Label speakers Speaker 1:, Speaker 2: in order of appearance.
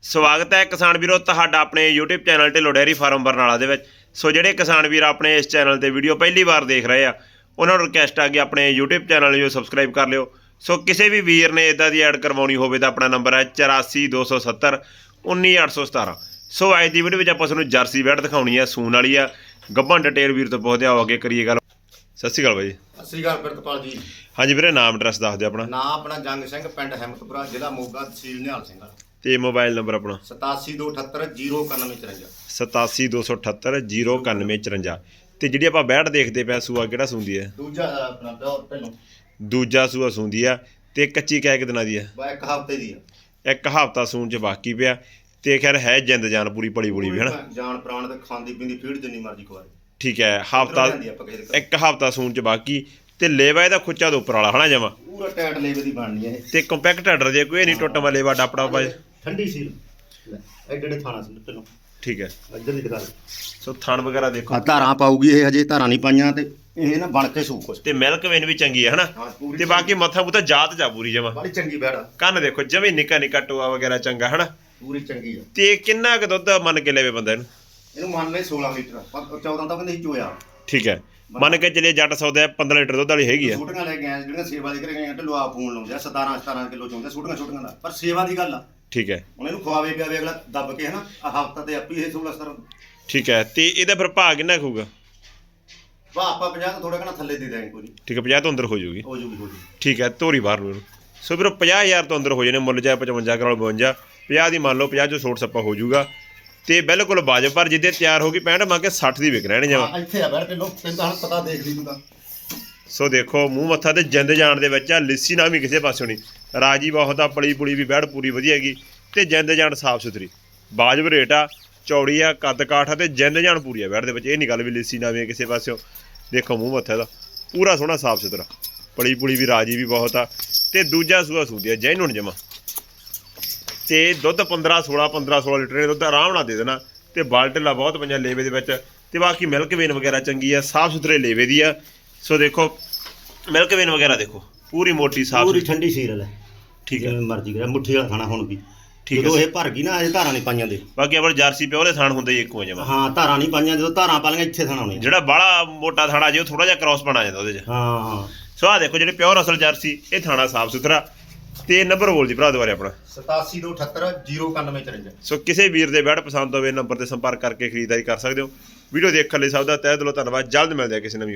Speaker 1: ਸਵਾਗਤ ਹੈ ਕਿਸਾਨ ਵੀਰੋ ਤੁਹਾਡਾ ਆਪਣੇ YouTube channel Dhillon dairy farm Barnala ਦੇ ਵਿੱਚ। ਸੋ ਜਿਹੜੇ ਕਿਸਾਨ ਵੀਰ ਆਪਣੇ ਇਸ ਚੈਨਲ ਤੇ ਵੀਡੀਓ ਪਹਿਲੀ ਵਾਰ ਦੇਖ ਰਹੇ ਆ ਉਹਨਾਂ ਨੂੰ ਰਿਕਵੈਸਟ ਆ ਕਿ ਆਪਣੇ YouTube ਚੈਨਲ ਨੂੰ ਸਬਸਕ੍ਰਾਈਬ ਕਰ ਲਿਓ। ਸੋ ਕਿਸੇ ਵੀ ਵੀਰ ਨੇ ਇਦਾਂ ਦੀ ਐਡ ਕਰਵਾਉਣੀ ਹੋਵੇ ਤਾਂ ਆਪਣਾ ਨੰਬਰ ਹੈ 84 270 19817। ਸੋ ਅੱਜ ਦੀ ਵੀਡੀਓ ਵਿੱਚ ਆਪਾਂ ਤੁਹਾਨੂੰ ਜਰਸੀ ਬੈਡ ਦਿਖਾਉਣੀ ਹੈ, ਸੂਣ ਵਾਲੀ ਆ। ਗੱਭਣ ਡਿਟੇਲ ਵੀਰ ਤੋਂ ਪੁੱਛਦੇ ਆਓ, ਅੱਗੇ ਕਰੀਏ ਗੱਲ। ਸਤਿ ਸ਼੍ਰੀ ਅਕਾਲ ਬਾਈ।
Speaker 2: ਸਤਿ ਸ਼੍ਰੀ ਅਕਾਲ ਪ੍ਰਿਤਪਾਲ ਜੀ।
Speaker 1: ਹਾਂਜੀ ਵੀਰੇ, ਨਾਮ ਐਡਰੈਸ ਦੱਸ ਦਿਓ ਆਪਣਾ।
Speaker 2: ਨਾਮ ਆਪਣਾ ਜੰਗ ਸਿੰਘ, ਪਿੰਡ ਹਿੰਮਤਪੁਰਾ, ਜ਼ਿਲ੍ਹਾ ਮੋਗਾ, ਤਹਿਸੀਲ ਨਿਹਾਲ ਸਿੰਘ।
Speaker 1: ਤੇ ਮੋਬਾਈਲ ਨੰਬਰ ਆਪਣਾ
Speaker 2: 8728809154
Speaker 1: 8728809154। ਤੇ ਜਿਹੜੀ ਆਪਾਂ ਬੈਡ ਦੇਖਦੇ ਪਏ ਸੂਆ ਕਿਹੜਾ ਸੂੰਦੀ ਹੈ?
Speaker 2: ਦੂਜਾ ਆਪਣਾ ਪਹਿਲੋਂ
Speaker 1: ਦੂਜਾ ਸੂਆ ਸੂੰਦੀ ਆ। ਤੇ ਕੱਚੀ ਕਹਿ ਕਿ ਦਿਨਾਂ ਦੀ ਆ?
Speaker 2: ਇੱਕ ਹਫ਼ਤੇ ਦੀ ਆ।
Speaker 1: ਇੱਕ ਹਫ਼ਤਾ ਸੂਣ ਚ ਬਾਕੀ ਪਿਆ। ਤੇ ਖੈਰ ਹੈ ਜਿੰਦ ਜਾਨ ਪੂਰੀ ਪਲੀ ਪੁਲੀ ਵੀ ਹਨਾ,
Speaker 2: ਜਾਨ ਪ੍ਰਾਣ ਤੇ ਖਾਂਦੀ ਪੀਂਦੀ ਫੀਡ ਜਿੰਨੀ ਮਰਜ਼ੀ ਖਵਾਏ।
Speaker 1: ਠੀਕ ਹੈ, ਹਫ਼ਤਾ ਇੱਕ ਹਫ਼ਤਾ ਸੂਣ ਚ ਬਾਕੀ। ਤੇ ਲੇਵਾ ਇਹਦਾ ਖੁੱਚਾ ਦੇ ਉੱਪਰ ਵਾਲਾ ਹਨਾ, ਜਮਾ
Speaker 2: ਪੂਰਾ ਟਾਈਟ ਲੇਵੇ ਦੀ ਬਣਨੀ ਹੈ
Speaker 1: ਤੇ ਕੰਪੈਕਟ ਆਰਡਰ ਜੇ ਕੋਈ ਨਹੀਂ ਟੁੱਟ ਮਾ ਲੇਵਾ ਡਾਪੜਾ ਪਾ।
Speaker 2: ਠੰਡੀ ਸੀਲ ਐਡੇ ਥਾਣਾ ਸੀ ਪਹਿਲੋਂ।
Speaker 1: ਠੀਕ ਹੈ,
Speaker 2: ਇੱਧਰ ਦੀ ਦਿਖਾ
Speaker 1: ਸੋ ਥਣ ਵਗੈਰਾ ਦੇਖੋ।
Speaker 2: ਧਾਰਾਂ ਪਾਊਗੀ ਇਹ, ਹਜੇ ਧਾਰਾਂ ਨਹੀਂ ਪਾਈਆਂ ਤੇ ਇਹ ਨਾ ਬਣ ਕੇ ਸੂ ਕੁਛ।
Speaker 1: ਤੇ ਮਿਲਕ ਵੇਨ ਵੀ ਚੰਗੀ ਹੈ ਹਨਾ। ਤੇ ਬਾਕੀ ਮੱਥਾ ਮੁੱਥਾ ਜਾਤ ਜਾ ਪੂਰੀ ਜਮਾ
Speaker 2: ਬੜੀ ਚੰਗੀ ਬੈੜਾ।
Speaker 1: ਕੰਨ ਦੇਖੋ ਜਮੀ ਨਿੱਕਾ ਨਿੱਕਾ ਟੋਆ ਵਗੈਰਾ ਚੰਗਾ ਹਨਾ,
Speaker 2: ਪੂਰੀ ਚੰਗੀ ਆ।
Speaker 1: ਤੇ ਕਿੰਨਾ ਕੁ ਦੁੱਧ ਮੰਨ ਕੇ ਲੈਵੇ ਬੰਦਾ ਇਹਨੂੰ?
Speaker 2: ਇਹਨੂੰ ਮੰਨ ਲੈ 16 ਲੀਟਰ, 14 ਤਾਂ ਕਹਿੰਦੇ ਸੀ ਚੋਇਆ।
Speaker 1: ਠੀਕ ਹੈ, ਮੰਨ ਕੇ ਚਲੇ ਜੱਟ ਸੌਦਾ 15 ਲੀਟਰ ਦੁੱਧ ਵਾਲੀ ਹੈਗੀ ਆ।
Speaker 2: ਛੋਟੀਆਂ ਲੈ ਕੇ ਆਏ ਜਿਹੜੀਆਂ ਸੇਵਾ ਦੇ ਘਰੇ ਗਏ ਢਿੱਲੋਂ ਆ ਫੋਨ ਲਾਉਂਦੇ ਆ 17 ਕਿਲੋ ਚੋਂਦੇ ਛੋਟੀਆਂ ਦਾ, ਪਰ ਸੇਵਾ ਦੀ ਗੱਲ ਆ।
Speaker 1: ਠੀਕ ਹੈ,
Speaker 2: ਹੁਣ ਇਹਨੂੰ ਖਵਾਵੇ ਪਿਆਵੇ ਅਗਲਾ ਦੱਬ ਕੇ ਹਨਾ, ਆ ਹਫ਼ਤਾ ਤੇ ਆਪੀ ਇਹ 16-17।
Speaker 1: ਠੀਕ ਹੈ, ਤੇ ਇਹਦਾ ਫਿਰ ਭਾਅ ਕਿੰਨਾ ਹੋਊਗਾ?
Speaker 2: ਵਾਹ ਆਪਾਂ 50 ਤੋਂ ਥੋੜਾ ਘਣਾ ਥੱਲੇ ਦੇ ਦਾਂਗੇ ਕੋਈ।
Speaker 1: ਠੀਕ ਹੈ, 50 ਤੋਂ ਅੰਦਰ ਹੋ ਜਾਊਗੀ।
Speaker 2: ਹੋ ਜੂਗੀ।
Speaker 1: ਠੀਕ ਹੈ, ਧੋਰੀ ਬਾਹਰ ਨੂੰ ਇਹਨੂੰ। ਸੋ ਵੀਰੋ 50,000 ਤੋਂ ਅੰਦਰ ਹੋ ਜਾਣੇ ਮੁੱਲ, ਚਾਹੇ 55 ਕਰੋੜ 52, 50 ਦੀ ਮੰਨ ਲਓ, 50 ਚੋਂ ਛੋਟ ਸੱਪਾ ਹੋ ਜਾਊਗਾ। ਤੇ ਬਿਲਕੁਲ ਵਾਜਬ, ਪਰ ਜਿੱਦੇ ਤਿਆਰ ਹੋ ਗਈ 65 ਮੰਗ ਕੇ 60 ਦੀ ਵਿਕ ਰਹਿਣੇ ਜਮਾ।
Speaker 2: ਇੱਥੇ ਆ ਬੈਠ ਢਿੱਲੋਂ, ਤੈਨੂੰ ਤਾਂ ਹੁਣ ਪਤਾ ਦੇਖ ਲਈ ਤੂੰ ਤਾਂ।
Speaker 1: ਸੋ ਦੇਖੋ ਮੂੰਹ ਮੱਥਾ ਤੇ ਜਿੰਦ ਜਾਣ ਦੇ ਵਿੱਚ ਆ, ਲਿੱਸੀ ਨਾ ਵੀ ਕਿਸੇ ਪਾਸੋਂ ਨਹੀਂ, ਰਾਜੀ ਬਹੁਤ ਆ, ਪਲੀ ਪੁਲੀ ਵੀ ਬੈੜ ਪੂਰੀ ਵਧੀਆ ਹੈਗੀ। ਤੇ ਜਿੰਦ ਜਾਣ ਸਾਫ ਸੁਥਰੀ, ਵਾਜਬ ਰੇਟ ਆ, ਚੌੜੀ ਆ, ਕੱਦ ਕਾਠ ਆ, ਤੇ ਜਿੰਦ ਜਾਣ ਪੂਰੀ ਆ ਬੈੜ ਦੇ ਵਿੱਚ। ਇਹ ਨਹੀਂ ਗੱਲ ਵੀ ਲਿੱਸੀ ਨਾ ਵੀ ਕਿਸੇ ਪਾਸਿਓਂ। ਦੇਖੋ ਮੂੰਹ ਮੱਥਾ ਦਾ ਪੂਰਾ ਸੋਹਣਾ ਸਾਫ ਸੁਥਰਾ, ਪਲੀ ਪੁਲੀ ਵੀ ਰਾਜੀ ਵੀ ਬਹੁਤ ਆ। ਤੇ ਦੂਜਾ ਸੂਆ ਸੂਦੀ ਆ ਜੈਨੂਨ ਜਮਾ। ਤੇ ਦੁੱਧ 15-16 ਲੀਟਰ ਦੁੱਧ ਆਰਾਮ ਨਾਲ ਦੇ ਦੇਣਾ। ਤੇ ਬਾਲਟਲਾ ਬਹੁਤ ਪੰਜਾ ਲੇਵੇ ਦੇ ਵਿੱਚ। ਤੇ ਬਾਕੀ ਮਿਲਕ ਵੇਨ ਵਗੈਰਾ ਚੰਗੀ ਆ, ਸਾਫ ਸੁਥਰੇ ਲੇਵੇ ਦੀ ਆ। ਸੋ ਦੇਖੋ ਮਿਲਕ ਵੇਨ ਵਗੈਰਾ ਦੇਖੋ, ਪੂਰੀ ਮੋਟੀ ਸਾਫ
Speaker 2: ਪੂਰੀ ਠੰਡੀ ਸੀਲ ਹੈ।
Speaker 1: ਠੀਕ ਹੈ,
Speaker 2: ਮਰਜ਼ੀ ਕਰੇ ਮੁੱਠੀ ਵਾਲਾ ਖਾਣਾ ਹੁਣ ਵੀ।
Speaker 1: ਠੀਕ
Speaker 2: ਜਦੋਂ ਇਹ ਭਰ ਗਈ ਨਾ, ਅਜੇ ਧਾਰਾਂ ਨਹੀਂ ਪਾਈਆਂ ਦੇ।
Speaker 1: ਬਾਕੀ ਆਪਣੇ ਜਰਸੀ ਪਿਓ ਦੇ ਥਾਣ ਹੁੰਦੇ ਇੱਕੋ ਜਮਾ।
Speaker 2: ਹਾਂ, ਧਾਰਾਂ ਨਹੀਂ ਪਾਈਆਂ, ਜਦੋਂ ਧਾਰਾਂ ਪਾ ਲਈਆਂ ਇੱਥੇ ਥਾਣਾ ਹੋਣੇ।
Speaker 1: ਜਿਹੜਾ ਬਾਹਲਾ ਮੋਟਾ ਥਾਣਾ ਜੇ ਉਹ ਥੋੜਾ ਜਿਹਾ ਕ੍ਰਾਸ ਬਣਾ ਜਾਂਦਾ ਉਹਦੇ 'ਚ।
Speaker 2: ਹਾਂ।
Speaker 1: ਸੋ ਆਹ ਦੇਖੋ ਜਿਹੜੇ ਪਿਓਰ ਅਸਲ ਜਰਸੀ, ਇਹ ਥਾਣਾ ਸਾਫ ਸੁਥਰਾ। ਤੇ ਨੰਬਰ ਬੋਲ ਜੀ ਭਰਾ ਦੁਬਾਰੇ ਆਪਣਾ।
Speaker 2: 8728809154।
Speaker 1: ਸੋ ਕਿਸੇ ਵੀਰ ਦੇ ਬੈਡ ਪਸੰਦ ਹੋਵੇ ਨੰਬਰ ਤੇ ਸੰਪਰਕ ਕਰਕੇ ਖਰੀਦਦਾਰੀ ਕਰ ਸਕਦੇ ਹੋ। ਵੀਡੀਓ ਦੇਖਣ ਲਈ ਸਭ ਦਾ ਤਹਿ ਦਿਲੋਂ ਧੰਨਵਾਦ। ਜਲਦ ਮਿਲਦੇ ਆ ਕਿਸੇ ਨਵੀਂ